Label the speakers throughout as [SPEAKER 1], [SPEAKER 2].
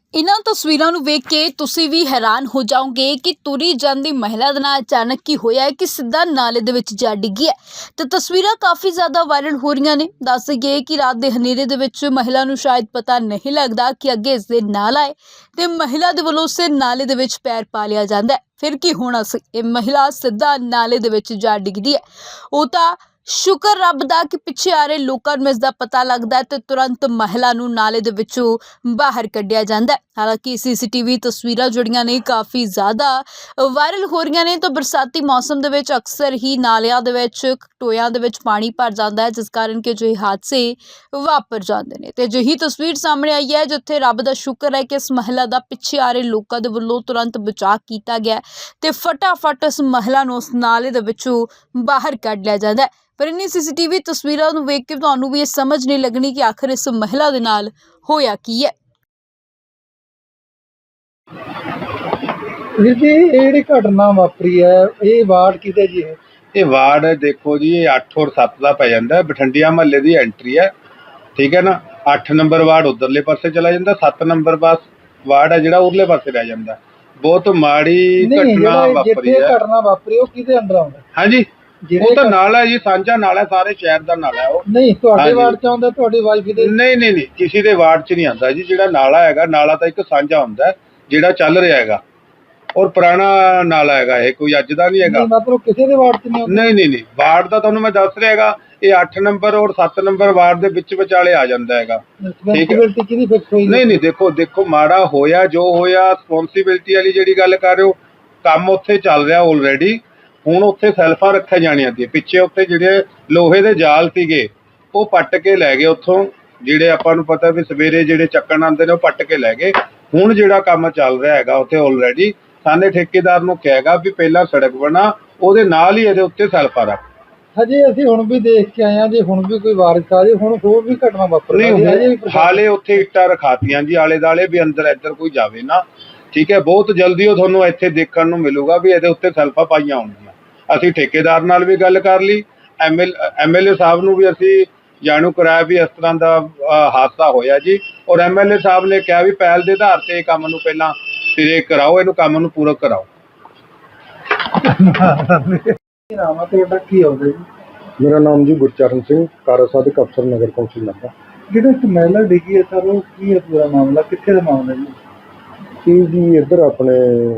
[SPEAKER 1] ਇਨ੍ਹਾਂ ਤਸਵੀਰਾਂ ਨੂੰ ਵੇਖ ਕੇ ਤੁਸੀਂ ਵੀ ਹੈਰਾਨ ਹੋ ਜਾਓਗੇ ਕਿ ਤੁਰੀ ਜਾਂਦੀ ਮਹਿਲਾ ਦੇ ਨਾਲ ਅਚਾਨਕ ਕੀ ਹੋਇਆ ਹੈ ਕਿ ਸਿੱਧਾ ਨਾਲੇ ਦੇ ਵਿੱਚ ਜਾ ਡਿੱਗੀ ਹੈ। ਤੇ ਤਸਵੀਰਾਂ ਕਾਫੀ ਜ਼ਿਆਦਾ ਵਾਇਰਲ ਹੋ ਰਹੀਆਂ ਨੇ। ਦੱਸ ਦਈਏ ਕਿ ਰਾਤ ਦੇ ਹਨੇਰੇ ਦੇ ਵਿੱਚ ਮਹਿਲਾ ਨੂੰ ਸ਼ਾਇਦ ਪਤਾ ਨਹੀਂ ਲੱਗਦਾ ਕਿ ਅੱਗੇ ਇਸ ਦੇ ਨਾਲਾ ਹੈ ਤੇ ਮਹਿਲਾ ਦੇ ਵੱਲੋਂ ਉਸੇ ਨਾਲੇ ਦੇ ਵਿੱਚ ਪੈਰ ਪਾ ਲਿਆ ਜਾਂਦਾ ਹੈ। ਫਿਰ ਕੀ ਹੋਣਾ ਸੀ, ਇਹ ਮਹਿਲਾ ਸਿੱਧਾ ਨਾਲੇ ਦੇ ਵਿੱਚ ਜਾ ਡਿੱਗਦੀ ਹੈ। ਉਹ ਤਾਂ ਸ਼ੁਕਰ ਰੱਬ ਦਾ ਕਿ ਪਿੱਛੇ ਆ ਰਹੇ ਲੋਕਾਂ ਨੂੰ ਇਸ ਦਾ ਪਤਾ ਲੱਗਦਾ ਹੈ ਤੇ ਤੁਰੰਤ ਮਹਿਲਾ ਨੂੰ ਨਾਲੇ ਦੇ ਵਿੱਚੋਂ ਬਾਹਰ ਕੱਢਿਆ ਜਾਂਦਾ ਹੈ। ਹਾਲਾਂਕਿ ਸੀਸੀਟੀਵੀ ਤਸਵੀਰਾਂ ਜਿਹੜੀਆਂ ਨੇ ਕਾਫੀ ਜ਼ਿਆਦਾ ਵਾਇਰਲ ਹੋ ਰਹੀਆਂ ਨੇ। ਤਾਂ ਬਰਸਾਤੀ ਮੌਸਮ ਦੇ ਵਿੱਚ ਅਕਸਰ ਹੀ ਨਾਲਿਆਂ ਦੇ ਵਿੱਚ ਟੋਇਆਂ ਦੇ ਵਿੱਚ ਪਾਣੀ ਭਰ ਜਾਂਦਾ ਹੈ, ਜਿਸ ਕਾਰਨ ਕਿ ਅਜਿਹੇ ਹਾਦਸੇ ਵਾਪਰ ਜਾਂਦੇ ਨੇ। ਤੇ ਅਜਿਹੀ ਤਸਵੀਰ ਸਾਹਮਣੇ ਆਈ ਹੈ ਜਿੱਥੇ ਰੱਬ ਦਾ ਸ਼ੁਕਰ ਹੈ ਕਿ ਇਸ ਮਹਿਲਾ ਦਾ ਪਿੱਛੇ ਆ ਰਹੇ ਲੋਕਾਂ ਦੇ ਵੱਲੋਂ ਤੁਰੰਤ ਬਚਾਅ ਕੀਤਾ ਗਿਆ ਤੇ ਫਟਾਫਟ ਇਸ ਮਹਿਲਾ ਨੂੰ ਉਸ ਨਾਲੇ ਦੇ ਵਿੱਚੋਂ ਬਾਹਰ ਕੱਢ ਲਿਆ ਜਾਂਦਾ ਹੈ। ਪਰ ਇन्हीं ਸੀਸੀਟੀਵੀ ਤਸਵੀਰਾਂ ਨੂੰ ਵੇਖ ਕੇ ਤੁਹਾਨੂੰ ਵੀ ਇਹ ਸਮਝ ਨਹੀਂ ਲੱਗਣੀ ਕਿ ਆਖਰ ਇਸ ਮਹਿਲਾ ਦੇ ਨਾਲ ਹੋਇਆ ਕੀ ਹੈ।
[SPEAKER 2] ਵੀਰ जी ये ਜਿਹੜੀ ਘਟਨਾ ਵਾਪਰੀ ਹੈ ਇਹ ਵਾਰਡ ਕਿਤੇ ਜੀ ਹੈ?
[SPEAKER 3] ਇਹ ਵਾਰਡ ਦੇਖੋ ਜੀ, ਇਹ 8 ਔਰ 7 ਦਾ ਪੈ ਜਾਂਦਾ। ਬਠੰਡੀਆਂ ਮਹੱਲੇ ਦੀ ਐਂਟਰੀ ਹੈ, ਠੀਕ ਹੈ ਨਾ। 8 ਨੰਬਰ ਵਾਰਡ ਉਧਰਲੇ ਪਾਸੇ ਚਲਾ ਜਾਂਦਾ, 7 ਨੰਬਰ ਵਾਰਡ ਹੈ ਜਿਹੜਾ ਉਰਲੇ ਪਾਸੇ ਰਹਿ ਜਾਂਦਾ। ਬਹੁਤ ਮਾੜੀ ਘਟਨਾ ਵਾਪਰੀ ਹੈ।
[SPEAKER 2] ਘਟਨਾ ਵਾਪਰੀ ਉਹ ਕਿਹਦੇ ਅੰਦਰ ਆਉਂਦਾ?
[SPEAKER 3] ਹਾਂਜੀ, ਉਹ ਤਾਂ ਨਾਲਾ ਹੈ ਜੀ, ਸਾਂਝਾ ਨਾਲਾ, ਸਾਰੇ ਸ਼ਹਿਰ ਦਾ ਨਾਲਾ ਹੈ ਉਹ।
[SPEAKER 2] ਨਹੀਂ ਤੁਹਾਡੇ ਵਾਰਡ ਚ ਆਉਂਦਾ? ਤੁਹਾਡੀ ਵਾਈਫ ਦੇ?
[SPEAKER 3] ਨਹੀਂ, ਕਿਸੇ ਦੇ ਵਾਰਡ ਚ ਨਹੀਂ ਆਉਂਦਾ ਜੀ। ਜਿਹੜਾ ਨਾਲਾ ਹੈਗਾ, ਨਾਲਾ ਤਾਂ ਇੱਕ ਸਾਂਝਾ ਹੁੰਦਾ ਜਿਹੜਾ ਚੱਲ ਰਿਹਾ ਹੈਗਾ, ਔਰ ਪੁਰਾਣਾ ਨਾਲਾ ਹੈਗਾ, ਇਹ ਕੋਈ ਅੱਜ ਦਾ ਨਹੀਂ ਹੈਗਾ।
[SPEAKER 2] ਮਤਲਬ ਕਿਸੇ ਦੇ ਵਾਰਡ ਚ ਨਹੀਂ ਆਉਂਦਾ?
[SPEAKER 3] ਨਹੀਂ, ਵਾਰਡ ਦਾ ਤੁਹਾਨੂੰ ਮੈਂ ਦੱਸ ਰਿਹਾ ਹੈਗਾ, ਇਹ 8 ਨੰਬਰ ਔਰ 7 ਨੰਬਰ ਵਾਰਡ ਦੇ ਵਿੱਚ ਵਿਚਾਲੇ ਆ ਜਾਂਦਾ ਹੈਗਾ।
[SPEAKER 2] ਰਿਸਪੌਂਸਿਬਿਲਟੀ ਕਿਹਦੀ ਫਿਕਸ ਹੋਈ?
[SPEAKER 3] ਨਹੀਂ, ਦੇਖੋ ਮਾੜਾ ਹੋਇਆ ਜੋ ਹੋਇਆ, ਰਿਸਪੌਂਸਿਬਿਲਟੀ ਵਾਲੀ ਜਿਹੜੀ ਗੱਲ ਕਰ ਰਹੇ ਹੋ, ਕੰਮ ਉੱਥੇ ਚੱਲ ਰਿਹਾ ਆਲਰੇਡੀ। ਹੁਣ ਉੱਥੇ ਸੈਲਫਾਂ ਰੱਖੀਆਂ ਜਾਣੀਆਂ ਸੀ ਪਿੱਛੇ। ਉੱਥੇ ਜਿਹੜੇ ਲੋਹੇ ਦੇ ਜਾਲ ਸੀਗੇ ਉਹ ਪੱਟ ਕੇ ਲੈ ਗਏ ਉੱਥੋਂ, ਜਿਹੜੇ ਆਪਾਂ ਨੂੰ ਪਤਾ ਵੀ ਸਵੇਰੇ ਜਿਹੜੇ ਚੱਕਣ ਆਉਂਦੇ ਨੇ ਉਹ ਪੱਟ ਕੇ ਲੈ ਗਏ। ਹੁਣ ਜਿਹੜਾ ਕੰਮ ਚੱਲ ਰਿਹਾ ਹੈਗਾ ਉੱਥੇ ਆਲਰੇਡੀ, ਸਾਨੇ ਠੇਕੇਦਾਰ ਨੂੰ ਕਹੇਗਾ ਵੀ ਪਹਿਲਾਂ ਸੜਕ ਬਣਾ, ਉਹਦੇ ਨਾਲ ਹੀ ਇਹਦੇ ਉੱਤੇ ਸੈਲਫਾਂ ਰੱਖ।
[SPEAKER 2] ਹਜੇ ਅਸੀਂ ਹੁਣ ਵੀ ਦੇਖ ਕੇ ਆਏ ਹਾਂ ਜੀ, ਹੁਣ ਵੀ ਕੋਈ ਵਾਰਿਸ ਆ ਜੇ, ਹੁਣ ਹੋਰ ਵੀ ਘਟਨਾ ਵਾਪਰ
[SPEAKER 3] ਨਹੀਂ। ਹਾਲੇ ਉੱਥੇ ਇੱਟਾਂ ਰਖਾਤੀਆਂ ਜੀ ਆਲੇ ਦੁਆਲੇ ਵੀ ਅੰਦਰ ਇੱਧਰ ਕੋਈ ਜਾਵੇ ਨਾ, ਠੀਕ ਹੈ। ਬਹੁਤ ਜਲਦੀ ਉਹ ਤੁਹਾਨੂੰ ਇੱਥੇ ਦੇਖਣ ਨੂੰ ਮਿਲੂਗਾ ਵੀ ਇਹਦੇ ਉੱਤੇ ਸੈਲਫਾਂ ਪਾਈਆਂ ਹੋਣਗੀਆਂ। ਅਸੀਂ ਠੇਕੇਦਾਰ ਨਾਲ ਵੀ ਗੱਲ ਕਰ ਲਈ, ਐਮਐਲਏ ਸਾਹਿਬ ਨੂੰ ਵੀ ਅਸੀਂ ਜਾਣੂ ਕਰਾਇਆ ਵੀ ਇਸ ਤਰ੍ਹਾਂ ਦਾ ਹਾਦਸਾ ਹੋਇਆ ਜੀ। ਔਰ ਐਮਐਲਏ ਸਾਹਿਬ ਨੇ ਕਿਹਾ ਵੀ ਪਹਿਲ ਦੇ ਆਧਾਰ ਤੇ ਇਹ ਕੰਮ ਨੂੰ ਪਹਿਲਾਂ ਸਿਰੇ ਕਰਾਓ, ਇਹਨੂੰ ਕੰਮ ਨੂੰ ਪੂਰਾ ਕਰਾਓ।
[SPEAKER 2] ਤੁਹਾਡਾ ਕੀ ਆਉਂਦਾ ਜੀ?
[SPEAKER 4] ਮੇਰਾ ਨਾਮ ਜੀ ਗੁਰਚਰਨ ਸਿੰਘ, ਕਾਰਜ ਸਾਧਕ ਅਫਸਰ ਨਗਰ ਕੌਂਸਲ ਨਾਭਾ।
[SPEAKER 2] ਜਿਹੜਾ ਇੱਕ ਮਹਿਲਾ ਡਿੱਗੀ ਹੈ ਸਰ, ਉਹ ਕੀ ਹੈ ਪੂਰਾ ਮਾਮਲਾ? ਕਿੱਥੇ ਦਾ ਮਾਮਲਾ ਜੀ?
[SPEAKER 4] ਇਹ ਜੀ ਇੱਧਰ ਆਪਣੇ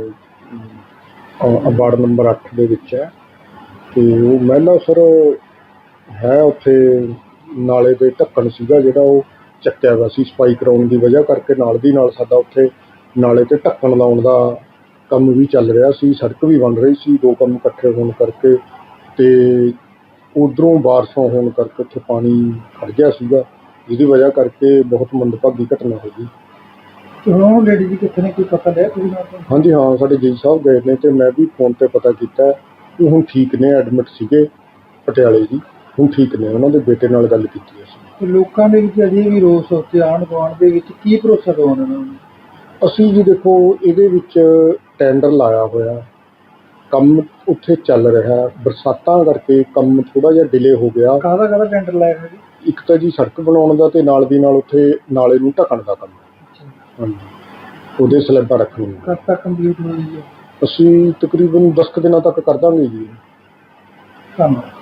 [SPEAKER 4] ਵਾਰਡ ਨੰਬਰ 8 ਦੇ ਵਿੱਚ ਹੈ। ਤੇ ਉਹ ਮਹਿਲਾ ਸਰ ਹੈ ਉੱਥੇ ਨਾਲੇ ਦੇ ਢੱਕਣ ਸੀਗਾ ਜਿਹੜਾ ਉਹ ਚੱਕਿਆ ਹੋਇਆ ਸੀ ਸਫਾਈ ਕਰਾਉਣ ਦੀ ਵਜ੍ਹਾ ਕਰਕੇ। ਨਾਲ ਦੀ ਨਾਲ ਸਾਡਾ ਉੱਥੇ ਨਾਲੇ ਤੇ ਢੱਕਣ ਲਾਉਣ ਦਾ ਕੰਮ ਵੀ ਚੱਲ ਰਿਹਾ ਸੀ, ਸੜਕ ਵੀ ਬਣ ਰਹੀ ਸੀ। ਦੋ ਕੰਮ ਇਕੱਠੇ ਹੋਣ ਕਰਕੇ ਤੇ ਉਧਰੋਂ ਬਾਰਿਸ਼ਾਂ ਹੋਣ ਕਰਕੇ ਉੱਥੇ ਪਾਣੀ ਖੜ ਗਿਆ ਸੀਗਾ, ਜਿਹਦੀ ਵਜ੍ਹਾ ਕਰਕੇ ਬਹੁਤ ਮੰਦਭਾਗੀ ਘਟਨਾ ਹੋ ਗਈ।
[SPEAKER 2] ਹੁਣ ਲੇਡੀ ਜੀ ਕਿੱਥੇ ਨੇ, ਕੋਈ ਪਤਾ ਲਿਆ ਤੁਸੀਂ?
[SPEAKER 4] ਹਾਂਜੀ ਹਾਂ, ਸਾਡੇ ਜੀ ਸਾਹਿਬ ਗਏ ਨੇ ਤੇ ਮੈਂ ਵੀ ਫੋਨ ਤੇ ਪਤਾ ਕੀਤਾ। ਉਹ ਹੁਣ ਠੀਕ ਨੇ, ਐਡਮਿਟ ਸੀਗੇ ਪਟਿਆਲੇ ਜੀ, ਹੁਣ ਠੀਕ ਨੇ। ਉਹਨਾਂ ਦੇ ਬੇਟੇ ਨਾਲ ਗੱਲ ਕੀਤੀ ਅਸੀਂ।
[SPEAKER 2] ਲੋਕਾਂ ਦੇ ਵਿੱਚ ਅਜੇ ਵੀ ਰੋਸ ਉੱਤੇ ਆਂਢ ਗੁਆਂਢ ਦੇ ਵਿੱਚ ਕੀ ਭਰੋਸਾ ਦਵਾਉਣਾ ਉਹਨਾਂ ਨੂੰ?
[SPEAKER 4] ਅਸੀਂ ਜੀ ਦੇਖੋ ਇਹਦੇ ਵਿੱਚ ਟੈਂਡਰ ਲਾਇਆ ਹੋਇਆ, ਕੰਮ ਉੱਥੇ ਚੱਲ ਰਿਹਾ। ਬਰਸਾਤਾਂ ਕਰਕੇ ਕੰਮ ਥੋੜ੍ਹਾ ਜਿਹਾ ਡਿਲੇ ਹੋ ਗਿਆ।
[SPEAKER 2] ਕਾਹਦਾ ਟੈਂਡਰ ਲਾਇਆ ਹੋਇਆ ਜੀ?
[SPEAKER 4] ਇੱਕ ਤਾਂ ਜੀ ਸੜਕ ਬਣਾਉਣ ਦਾ ਤੇ ਨਾਲ ਦੀ ਨਾਲ ਉੱਥੇ ਨਾਲੇ ਨੂੰ ਢੱਕਣ ਦਾ ਕੰਮ। ਹਾਂਜੀ, ਉਹਦੇ ਸਲੈਬਾਂ ਰੱਖਣੀਆਂ।
[SPEAKER 2] ਕਦ ਤੱਕ ਕੰਪਲੀਟ ਹੋਈ ਹੈ?
[SPEAKER 4] ਅਸੀਂ ਤਕਰੀਬਨ 10 ਕੁ ਦਿਨਾਂ ਤੱਕ ਕਰ ਦਾਂਗੇ ਜੀ।
[SPEAKER 2] ਧੰਨਵਾਦ।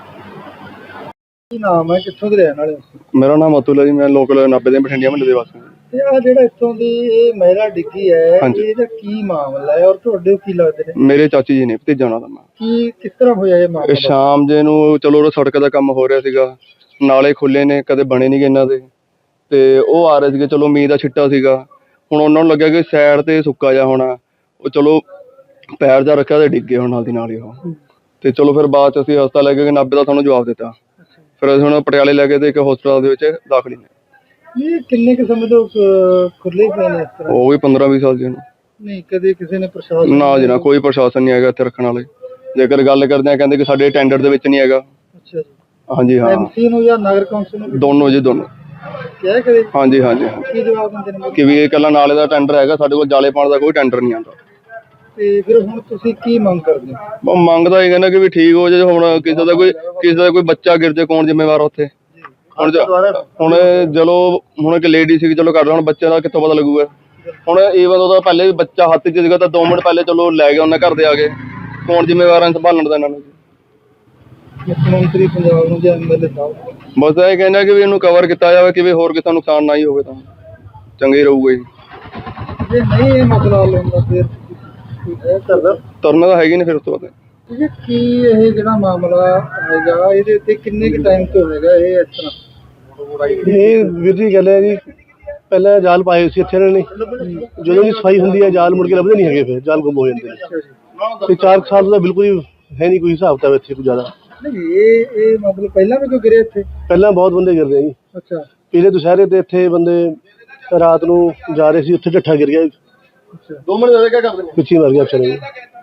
[SPEAKER 2] ਕੀ ਨਾਮ ਹੈ, ਕਿੱਥੋਂ ਦੇ ਰਹਿਣ ਵਾਲੇ?
[SPEAKER 4] ਮੇਰਾ ਨਾਮ ਅਤੁਲ ਹੈ ਜੀ, ਮੈਂ ਲੋਕਲ ਨਾਭੇ ਦੇ ਬਠਿੰਡਿਆ ਮਹੱਲੇ ਦੇ ਵਾਸੀ ਹਾਂ।
[SPEAKER 2] ਤੇ ਆ ਜਿਹੜਾ ਇੱਥੋਂ ਦੀ ਇਹ ਮਹਿਲਾ ਡਿੱਗੀ ਹੈ, ਇਹਦਾ ਕੀ ਮਾਮਲਾ ਹੈ ਔਰ ਤੁਹਾਡੇ ਕੀ ਲੱਗਦੇ ਨੇ?
[SPEAKER 4] ਮੇਰੇ ਚਾਚੀ ਜੀ ਨੇ, ਭਤੀਜਾ ਉਹਨਾਂ ਦਾ ਮੈਂ।
[SPEAKER 2] ਕੀ ਕਿਸ ਤਰ੍ਹਾਂ ਹੋਇਆ ਇਹ ਮਾਮਲਾ?
[SPEAKER 4] ਸ਼ਾਮ ਜੇ ਨੂੰ ਚਲੋ ਉਹ ਸੜਕ ਦਾ ਕੰਮ ਹੋ ਰਿਹਾ ਸੀਗਾ, ਨਾਲੇ ਖੁੱਲੇ ਨੇ, ਕਦੇ ਬਣੇ ਨਹੀਂ ਗੇ ਇਹਨਾਂ ਦੇ, ਤੇ ਉਹ ਆ ਰਹੇ ਸੀਗੇ। ਚਲੋ ਮੀਂਹ ਦਾ ਛਿੱਟਾ ਸੀਗਾ, ਹੁਣ ਉਹਨਾਂ ਨੂੰ ਲੱਗਿਆ ਕਿ ਸਾਈਡ ਤੇ ਸੁੱਕਾ ਜਿਹਾ ਹੋਣਾ, ਉਹ ਚਲੋ ਪੈਰ ਜਾ ਰੱਖਿਆ ਤੇ ਡਿੱਗੇ ਹੁਣ ਨਾਲ ਦੀ ਨਾਲ ਹੀ ਉਹ। ਤੇ ਚਲੋ ਫਿਰ ਬਾਅਦ ਚ ਅਸੀਂ ਹਸਪਤਾਲ ਲੈ ਕੇ ਨਾਭੇ ਦਾ ਤੁਹਾਨੂੰ ਜਵਾਬ ਦਿੱਤਾ। ਫਿਰ ਅਸੀਂ ਹੁਣ ਪਟਿਆਲੇ ਲੈ ਕੇ ਤੇ ਇੱਕ ਹਸਪਤਾਲ ਦੇ ਵਿੱਚ ਦਾਖਲ ਨੇ।
[SPEAKER 2] ਇਹ ਕਿੰਨੇ ਕੁ ਸਮੇਂ ਤੋਂ ਖੁੱਲੇ ਪਏ ਨੇ ਇਸ ਤਰ੍ਹਾਂ?
[SPEAKER 4] ਉਹ ਵੀ 15-20 ਸਾਲ ਜੀ ਨੂੰ।
[SPEAKER 2] ਨਹੀਂ ਕਦੇ ਕਿਸੇ ਨੇ ਪ੍ਰਸ਼ਾਸਨ?
[SPEAKER 4] ਨਾ ਜੀ ਨਾ, ਕੋਈ ਪ੍ਰਸ਼ਾਸਨ ਨਹੀਂ ਹੈਗਾ ਇੱਥੇ ਰੱਖਣ ਵਾਲੇ। ਜੇਕਰ ਗੱਲ ਕਰਦੇ ਆ ਕਹਿੰਦੇ ਕਿ ਸਾਡੇ ਟੈਂਡਰ ਦੇ ਵਿੱਚ ਨਹੀਂ ਹੈਗਾ।
[SPEAKER 2] ਅੱਛਾ ਜੀ।
[SPEAKER 4] ਹਾਂਜੀ ਹਾਂ,
[SPEAKER 2] ਐਮਸੀ ਨੂੰ ਜਾਂ ਨਗਰ ਕੌਂਸਲ ਨੂੰ?
[SPEAKER 4] ਦੋਨੋਂ ਜੀ, ਦੋਨੋਂ।
[SPEAKER 2] ਕਿਹਾ ਕਦੇ?
[SPEAKER 4] ਹਾਂਜੀ।
[SPEAKER 2] ਕੀ ਜਵਾਬ ਦਿੰਦੇ ਨੇ?
[SPEAKER 4] ਕਿ ਵੀ ਇਹ ਇਕੱਲਾ ਨਾਲੇ ਦਾ ਟੈਂਡਰ ਹੈਗਾ, ਸਾਡੇ ਕੋਲ ਜਾਲੇ ਪਾਉਣ ਦਾ ਕੋਈ ਟੈਂਡਰ ਨਹੀਂ ਆਉਂਦਾ।
[SPEAKER 2] ਤੇ ਫਿਰ ਹੁਣ ਤੁਸੀਂ ਕੀ ਮੰਗ ਕਰਦੇ ਹੋ?
[SPEAKER 4] ਮੰਗਦਾ ਇਹ ਕਹਿੰਦਾ ਕਿ ਵੀ ਠੀਕ ਹੋ ਜਾਏ। ਹੁਣ ਕਿਸੇ ਦਾ ਕੋਈ ਬੱਚਾ ਗਿਰ ਜਾਏ, ਕੌਣ ਜ਼ਿੰਮੇਵਾਰ ਉੱਥੇ? ਹੁਣ ਚਲੋ ਹੁਣ ਇੱਕ ਲੇਡੀ ਸੀ, ਚਲੋ ਕਰ ਹੁਣ ਬੱਚੇ ਦਾ ਕਿੱਥੋਂ ਪਤਾ ਲੱਗੂਗਾ?
[SPEAKER 5] ਹੁਣ ਈਵਨ ਉਹਦਾ ਪਹਿਲੇ ਵੀ ਬੱਚਾ ਹੱਥ 'ਚ ਸੀਗਾ ਤਾਂ 2 ਮਿੰਟ ਪਹਿਲੇ ਚਲੋ ਲੈ ਗਏ ਉਹਨਾਂ ਘਰ ਦੇ ਆ ਕੇ। ਕੌਣ ਜ਼ਿੰਮੇਵਾਰ ਸੰਭਾਲਣ ਦਾ ਇਹਨਾਂ ਨੂੰ?
[SPEAKER 2] ਮੁੱਖ ਮੰਤਰੀ ਪੰਜਾਬ ਨੂੰ ਜਾਂ ਐਮਐਲਏ ਸਾਹਿਬ
[SPEAKER 5] ਬਸ ਇਹ ਕਹਿੰਦਾ ਕਿ ਵੀ ਇਹਨੂੰ ਕਵਰ ਕੀਤਾ ਜਾਵੇ ਕਿ ਵੀ ਹੋਰ ਕਿਸੇ ਦਾ ਨੁਕਸਾਨ ਨਾ ਹੀ ਹੋਵੇ ਤਾਂ ਚੰਗੇ ਰਹੂਗਾ ਜੀ।
[SPEAKER 2] ਜੇ ਨਹੀਂ ਇਹ ਮਸਲਾ ਹੱਲ ਹੁੰਦਾ ਫਿਰ ਇਹ ਕਰਦਾ
[SPEAKER 5] ਤੁਰਨਾ ਤਾਂ ਹੈਗੀ ਨਹੀਂ ਫਿਰ ਉਸ ਤੋਂ ਬਾਅਦ।
[SPEAKER 2] ਜੀ ਕੀ ਇਹ ਜਿਹੜਾ ਮਾਮਲਾ ਹੈਗਾ ਇਹਦੇ ਉੱਤੇ ਕਿੰਨੇ ਕੁ ਟਾਈਮ ਤੋਂ ਹੈਗਾ ਇਹ ਇਸ ਤਰ੍ਹਾਂ?
[SPEAKER 6] ਇਹ ਵੀਰ ਜੀ ਗੱਲ ਹੈ ਜੀ, ਪਹਿਲਾਂ ਜਾਲ ਪਾਏ ਸੀ ਇੱਥੇ ਇਹਨਾਂ ਨੇ, ਜਦੋਂ ਦੀ ਸਫਾਈ ਹੁੰਦੀ ਹੈ ਜਾਲ ਮੁੜ ਕੇ ਲੱਭਦੇ ਨਹੀਂ ਹੈਗੇ, ਫਿਰ ਜਾਲ ਗੁੰਮ ਹੋ ਜਾਂਦੇ ਨੇ। ਤੇ 4 ਸਾਲ ਦਾ ਬਿਲਕੁਲ ਹੀ ਹੈ ਨਹੀਂ ਕੋਈ ਹਿਸਾਬ ਤਾਂ ਇੱਥੇ ਕੋਈ ਜ਼ਿਆਦਾ।
[SPEAKER 2] ਨਹੀਂ ਇਹ ਮਤਲਬ ਪਹਿਲਾਂ ਵੀ ਕੋਈ ਗਿਰੇ ਇੱਥੇ?
[SPEAKER 6] ਪਹਿਲਾਂ ਬਹੁਤ ਬੰਦੇ ਗਿਰਦੇ ਆ ਜੀ।
[SPEAKER 2] ਅੱਛਾ
[SPEAKER 6] ਪਿਛਲੇ ਦੁਸ਼ਹਿਰੇ ਤੇ ਇੱਥੇ ਬੰਦੇ ਰਾਤ ਨੂੰ ਜਾ ਰਹੇ ਸੀ, ਉੱਥੇ ਢੱਠਾ ਗਿਰ ਗਿਆ,
[SPEAKER 2] ਅੱਛਾ
[SPEAKER 5] 2 ਮਿੰਟ ਦੇ ਕਿਆ ਕਰਦੇ ਨੇ?
[SPEAKER 6] ਪਿੱਛੇ ਮਰ ਗਿਆ ਵਿਚਾਰੇ।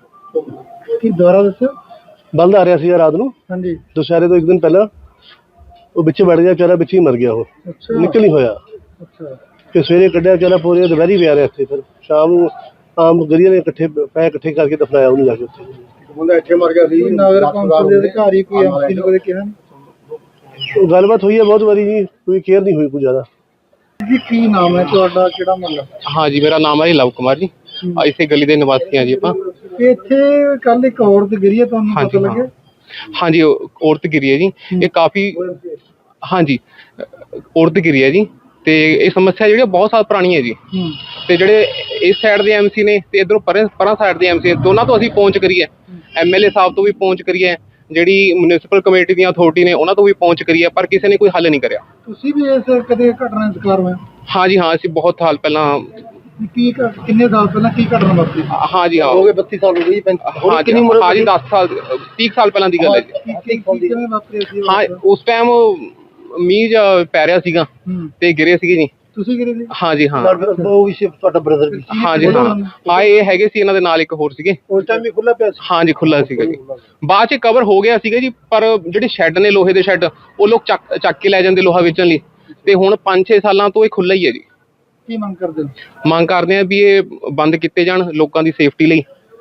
[SPEAKER 2] ਕੀ ਦੁਬਾਰਾ ਦੱਸੋ?
[SPEAKER 6] ਬਲਦ ਆ ਰਿਹਾ ਸੀ ਰਾਤ ਨੂੰ
[SPEAKER 2] ਹਾਂਜੀ
[SPEAKER 6] ਦੁਸ਼ਹਿਰੇ ਤੋਂ 1 ਦਿਨ ਪਹਿਲਾਂ, ਉਹ ਵਿੱਚ ਵੜ ਗਿਆ ਵਿਚਾਰਾ, ਵਿੱਚ ਹੀ ਮਰ ਗਿਆ, ਉਹ
[SPEAKER 2] ਅੱਛਾ
[SPEAKER 6] ਨਿਕਲ ਨਹੀਂ ਹੋਇਆ।
[SPEAKER 2] ਅੱਛਾ
[SPEAKER 6] ਫਿਰ ਸਵੇਰੇ ਕੱਢਿਆ ਵਿਚਾਰਾ, ਪੂਰੇ ਦੁਪਹਿਰੀ ਪਿਆ ਰਿਹਾ ਇੱਥੇ। ਫਿਰ ਸ਼ਾਮ ਨੂੰ ਆਮ ਗਰੀਆਂ ਨੇ ਇਕੱਠੇ ਕਰਕੇ ਦਫਨਾਇਆ ਉਹਨੂੰ ਜਾ ਕੇ ਉੱਥੇ।
[SPEAKER 5] ਮੁੰਡਾ ਇੱਥੇ ਮਰ ਗਿਆ ਸੀ।
[SPEAKER 2] ਕੋਈ ਨਗਰ ਕੌਂਸਲ ਦੇ ਅਧਿਕਾਰੀ ਕੋਈ ਐਮਸੀ ਨੂੰ ਕਦੇ ਕਿਹਾ?
[SPEAKER 6] ਉਹ ਗੱਲਬਾਤ ਹੋਈ ਹੈ ਬਹੁਤ ਵਾਰੀ ਜੀ, ਕੋਈ ਕੇਅਰ ਨਹੀਂ ਹੋਈ ਕੋਈ ਜ਼ਿਆਦਾ।
[SPEAKER 2] ਜੀ ਕੀ ਨਾਮ ਹੈ ਤੁਹਾਡਾ, ਕਿਹੜਾ ਮਹੱਲਾ?
[SPEAKER 7] हाँ जी, मेरा नाम है लव कुमार जी। इसे गली के निवासी हैं जी ਆਪਾਂ।
[SPEAKER 2] ਇੱਥੇ ਕੱਲ ਇੱਕ ਔਰਤ ਗਿਰੀ ਹੈ, ਤੁਹਾਨੂੰ
[SPEAKER 7] हाँ
[SPEAKER 2] ਪਤਾ
[SPEAKER 7] जी
[SPEAKER 2] ਲੱਗਿਆ?
[SPEAKER 7] हाँ जी, औरत गिरी है जी। ये काफ़ी हाँ जी औरत गिरी है जी। ਤੇ ਇਹ ਸਮੱਸਿਆ ਜਿਹੜੀ ਬਹੁਤ ਸਾਲ ਪੁਰਾਣੀ ਹੈ ਜੀ। ਤੇ ਜਿਹੜੇ ਇਸ ਸਾਈਡ ਦੇ ਐਮਸੀ ਨੇ ਤੇ ਇਧਰੋਂ ਪਰਾਂ ਸਾਈਡ ਦੇ ਐਮਸੀ, ਦੋਨਾਂ ਤੋਂ ਅਸੀਂ ਪਹੁੰਚ ਕਰੀ ਹੈ। ਐਮਐਲਏ ਸਾਹਿਬ ਤੋਂ ਵੀ ਪਹੁੰਚ ਕਰੀ ਹੈ, ਜਿਹੜੀ ਮਿਊਨਿਸਪਲ ਕਮੇਟੀ ਦੀਆਂ ਅਥਾਰਟੀ ਨੇ ਉਹਨਾਂ ਤੋਂ ਵੀ ਪਹੁੰਚ ਕਰੀ ਹੈ, ਪਰ ਕਿਸੇ ਨੇ ਕੋਈ ਹੱਲ ਨਹੀਂ ਕਰਿਆ।
[SPEAKER 2] ਤੁਸੀਂ ਵੀ ਇਸ ਕਦੇ ਘਟਨਾ ਦਾ ਸ਼ਿਕਾਰ ਹੋਏ?
[SPEAKER 7] ਹਾਂ ਜੀ ਹਾਂ, ਅਸੀਂ ਬਹੁਤ ਸਾਲ ਪਹਿਲਾਂ
[SPEAKER 2] ਕਿੰਨੇ ਸਾਲ ਪਹਿਲਾਂ ਕੀ ਘਟਨਾ ਵਾਪਰੀ?
[SPEAKER 7] ਹਾਂ ਜੀ ਹਾਂ,
[SPEAKER 5] ਹੋ ਗਏ 32 ਸਾਲ ਹੋ ਗਏ ਜੀ।
[SPEAKER 7] ਹਾਂ ਜੀ ਹਾਂ ਜੀ, 10 ਸਾਲ 30 ਸਾਲ ਪਹਿਲਾਂ ਦੀ ਗੱਲ ਹੈ ਜੀ।
[SPEAKER 2] ਕਿਵੇਂ ਵਾਪਰੀ ਸੀ?
[SPEAKER 7] ਹਾਂ, ਉਸ ਟਾਈਮ ਮੀਂਹ ਜਿਹਾ ਪੈ ਰਿਹਾ ਸੀਗਾ ਤੇ ਗਿਰੇ ਸੀਗੇ ਜੀ।
[SPEAKER 2] ਤੁਸੀਂ ਗਿਰੇ ਸੀ?
[SPEAKER 7] ਹਾਂ ਜੀ ਹਾਂ,
[SPEAKER 2] ਉਹ ਵੀ ਤੁਹਾਡਾ ਬ੍ਰਦਰ ਵੀ?
[SPEAKER 7] ਹਾਂ ਜੀ ਹਾਂ ਹਾਂ, ਇਹ ਹੈਗੇ ਸੀ, ਇਹਨਾਂ ਦੇ ਨਾਲ ਇੱਕ ਹੋਰ ਸੀਗੇ।
[SPEAKER 2] ਉਸ ਟਾਈਮ ਵੀ ਖੁੱਲਾ ਪਿਆ ਸੀ?
[SPEAKER 7] ਹਾਂ ਜੀ ਖੁੱਲਾ ਸੀਗਾ ਜੀ, ਬਾਅਦ ਚ ਕਵਰ ਹੋ ਗਿਆ ਸੀਗਾ ਜੀ। ਪਰ ਜਿਹੜੇ ਸ਼ੈੱਡ ਨੇ ਲੋਹੇ ਦੇ ਸ਼ੈੱਡ, ਉਹ ਲੋਕ ਚੱਕ ਕੇ ਲੈ ਜਾਂਦੇ ਲੋਹਾ ਵੇਚਣ ਲਈ। ਤੇ ਹੁਣ 5-6 ਸਾਲਾਂ ਤੋਂ ਇਹ ਖੁੱਲਾ ਹੀ ਹੈ ਜੀ।
[SPEAKER 2] ਕੀ ਮੰਗ ਕਰਦੇ ਹੋ?
[SPEAKER 7] ਮੰਗ ਕਰਦੇ ਆ ਵੀ ਇਹ ਬੰਦ ਕੀਤੇ ਜਾਣ ਲੋਕਾਂ ਦੀ ਸੇਫਟੀ ਲਈ।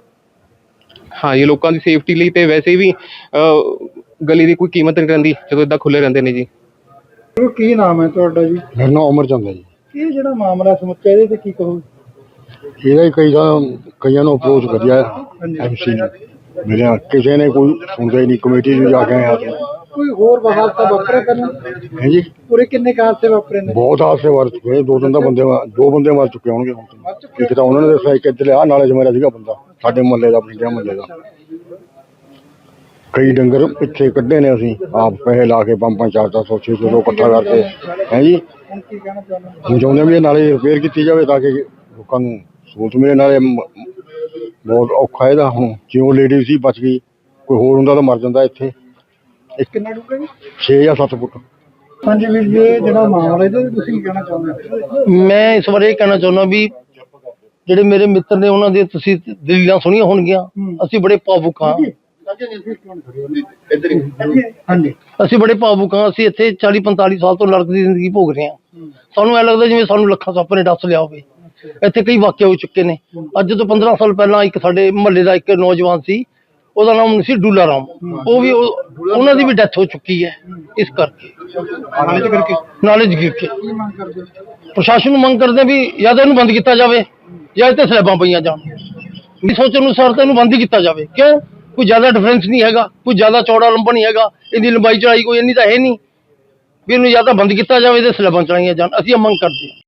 [SPEAKER 7] ਹਾਂ ਜੀ, ਲੋਕਾਂ ਦੀ ਸੇਫਟੀ ਲਈ। ਤੇ ਵੈਸੇ ਵੀ ਗਲੀ ਦੀ ਕੋਈ ਕੀਮਤ ਨਹੀਂ ਰਹਿੰਦੀ ਜਦੋਂ ਇਦਾਂ ਖੁੱਲੇ ਰਹਿੰਦੇ ਨੇ ਜੀ।
[SPEAKER 2] ਕੀ ਨਾਮ ਹੈ ਤੁਹਾਡਾ ਜੀ?
[SPEAKER 4] ਮੇਰਾ ਨਾਮ ਅਮਰਚੰਦ ਹੈ ਜੀ।
[SPEAKER 2] ਇਹ ਜਿਹੜਾ ਮਾਮਲਾ ਸਮੁੱਚਾ ਇਹਦੇ ਤੇ ਕੀ ਕਹੋ?
[SPEAKER 4] ਇਹਦਾ ਹੀ ਕਈਆਂ ਨੂੰ ਅਪਰੋਚ ਕਰਿਆ ਐਮਸੀ ਨੇ, ਮੇਰੇ ਕਿਸੇ ਨੇ ਕੋਈ ਸੁਣਦਾ ਹੀ ਨਹੀਂ। ਕਮੇਟੀ ਨੂੰ ਜਾ ਕੇ ਆਇਆ
[SPEAKER 2] ਕੋਈ ਹੋਰ ਹਾਦਸਾ ਵਾਪਰਿਆ ਪਹਿਲਾਂ?
[SPEAKER 4] ਹੈ ਜੀ।
[SPEAKER 2] ਪੂਰੇ ਕਿੰਨੇ ਹਾਦਸੇ ਵਾਪਰੇ ਨੇ?
[SPEAKER 4] ਬਹੁਤ ਹਾਦਸੇ ਵਾਰ ਚੁੱਕੇ, 2 ਬੰਦੇ ਮਰ ਚੁੱਕੇ ਹੋਣਗੇ ਹੁਣ ਤਾਂ। ਇੱਕ ਤਾਂ ਉਹਨਾਂ ਨੇ ਦੱਸਿਆ, ਇੱਕ ਇੱਧਰ ਆ ਨਾਲੇ 'ਚ ਮੇਰਾ ਸੀਗਾ ਬੰਦਾ, ਸਾਡੇ ਮੁਹੱਲੇ ਦਾ, ਪਿੰਡਿਆ ਮੁਹੱਲੇ ਦਾ। ਕਈ ਡੰਗਰ ਪਿੱਛੇ ਕੱਢੇ ਨੇ ਅਸੀਂ ਆਪ, ਪੈਸੇ ਲਾ ਕੇ 500-400 600 ਇਕੱਠਾ ਕਰਕੇ। ਹੈ ਜੀ,
[SPEAKER 2] ਹੁਣ ਕੀ ਕਹਿਣਾ ਚਾਹੁੰਦੇ ਹੋ?
[SPEAKER 4] ਹੁਣ ਚਾਹੁੰਦੇ ਵੀ ਇਹ ਨਾਲੇ ਰਿਪੇਅਰ ਕੀਤੀ ਜਾਵੇ ਤਾਂ ਕਿ ਲੋਕਾਂ ਨੂੰ ਸਹੂਲਤ ਮਿਲੇ। ਨਾਲੇ ਬਹੁਤ ਔਖਾ ਇਹਦਾ, ਹੁਣ ਜਿਉਂ ਲੇਡੀ ਸੀ ਬਚ ਗਈ, ਕੋਈ ਹੋਰ ਹੁੰਦਾ ਤਾਂ ਮਰ ਜਾਂਦਾ ਇੱਥੇ।
[SPEAKER 2] ਕਿੰਨਾ ਡੂੰਘਾ ਜੀ?
[SPEAKER 4] 6 ਜਾਂ 7 ਫੁੱਟ।
[SPEAKER 2] ਹਾਂਜੀ ਵੀਰ ਜੀ, ਇਹ ਜਿਹੜਾ ਮਾਮਲਾ ਇਹਦੇ ਤੇ ਤੁਸੀਂ ਕੀ ਕਹਿਣਾ ਚਾਹੁੰਦੇ ਹੋ?
[SPEAKER 8] ਮੈਂ ਇਸ ਬਾਰੇ ਇਹ ਕਹਿਣਾ ਚਾਹੁੰਦਾ ਵੀ ਜਿਹੜੇ ਮੇਰੇ ਮਿੱਤਰ ਨੇ ਉਹਨਾਂ ਦੇ ਤੁਸੀਂ ਦਲੀਲਾਂ ਸੁਣੀਆਂ ਹੋਣਗੀਆਂ। ਅਸੀਂ ਬੜੇ ਭਾਵੁਕ ਹਾਂ,
[SPEAKER 2] ਹਾਂਜੀ
[SPEAKER 8] ਅਸੀਂ ਬੜੇ ਭਾਵੁਕ ਹਾਂ। ਅਸੀਂ ਇੱਥੇ 40-45 ਸਾਲ ਤੋਂ ਨਰਕ ਦੀ ਜ਼ਿੰਦਗੀ ਭੋਗ ਰਹੇ ਹਾਂ। ਸਾਨੂੰ ਐ ਲੱਗਦਾ ਜਿਵੇਂ ਸਾਨੂੰ ਲੱਖਾਂ ਸੱਪ ਨੇ ਡੱਸ ਲਿਆ ਹੋਵੇ। ਇੱਥੇ ਕਈ ਵਾਕਿਏ ਹੋ ਚੁੱਕੇ ਨੇ। ਅੱਜ ਤੋਂ 15 ਸਾਲ ਪਹਿਲਾਂ ਇੱਕ ਸਾਡੇ ਮੁਹੱਲੇ ਦਾ ਇੱਕ ਨੌਜਵਾਨ ਸੀ, ਉਹਦਾ ਨਾਮ ਸੀ ਡੂਲਾ ਰਾਮ। ਉਹ ਵੀ ਉਹਨਾਂ ਦੀ ਵੀ ਡੈਥ ਹੋ ਚੁੱਕੀ ਹੈ ਇਸ ਕਰਕੇ, ਨਾਲੇ 'ਚ ਗਿਰ ਕੇ।
[SPEAKER 2] ਕੀ ਮੰਗ ਕਰਦੇ ਹੋ?
[SPEAKER 8] ਪ੍ਰਸ਼ਾਸਨ ਨੂੰ ਮੰਗ ਕਰਦੇ ਵੀ ਜਾਂ ਤਾਂ ਇਹਨੂੰ ਬੰਦ ਕੀਤਾ ਜਾਵੇ ਜਾਂ ਇੱਥੇ ਸਲੈਬਾਂ ਪਈਆਂ ਜਾਣ। ਮੇਰੀ ਸੋਚ ਅਨੁਸਾਰ ਤਾਂ ਇਹਨੂੰ ਬੰਦ ਹੀ ਕੀਤਾ ਜਾਵੇ। ਕਿਉਂ? ਕੋਈ ਜ਼ਿਆਦਾ ਡਿਫਰੈਂਸ ਨਹੀਂ ਹੈਗਾ, ਕੋਈ ਜ਼ਿਆਦਾ ਚੌੜਾ ਲੰਬਾ ਨਹੀਂ ਹੈਗਾ, ਇਹਦੀ ਲੰਬਾਈ ਚੌੜਾਈ ਕੋਈ ਇੰਨੀ ਤਾਂ ਹੈ ਨਹੀਂ ਵੀ ਇਹਨੂੰ ਜਾਂ ਤਾਂ ਬੰਦ ਕੀਤਾ ਜਾਵੇ ਤੇ ਸਲੈਬਾਂ ਚਲਾਈਆਂ ਜਾਣ। ਅਸੀਂ ਇਹ ਮੰਗ ਕਰਦੇ ਹਾਂ।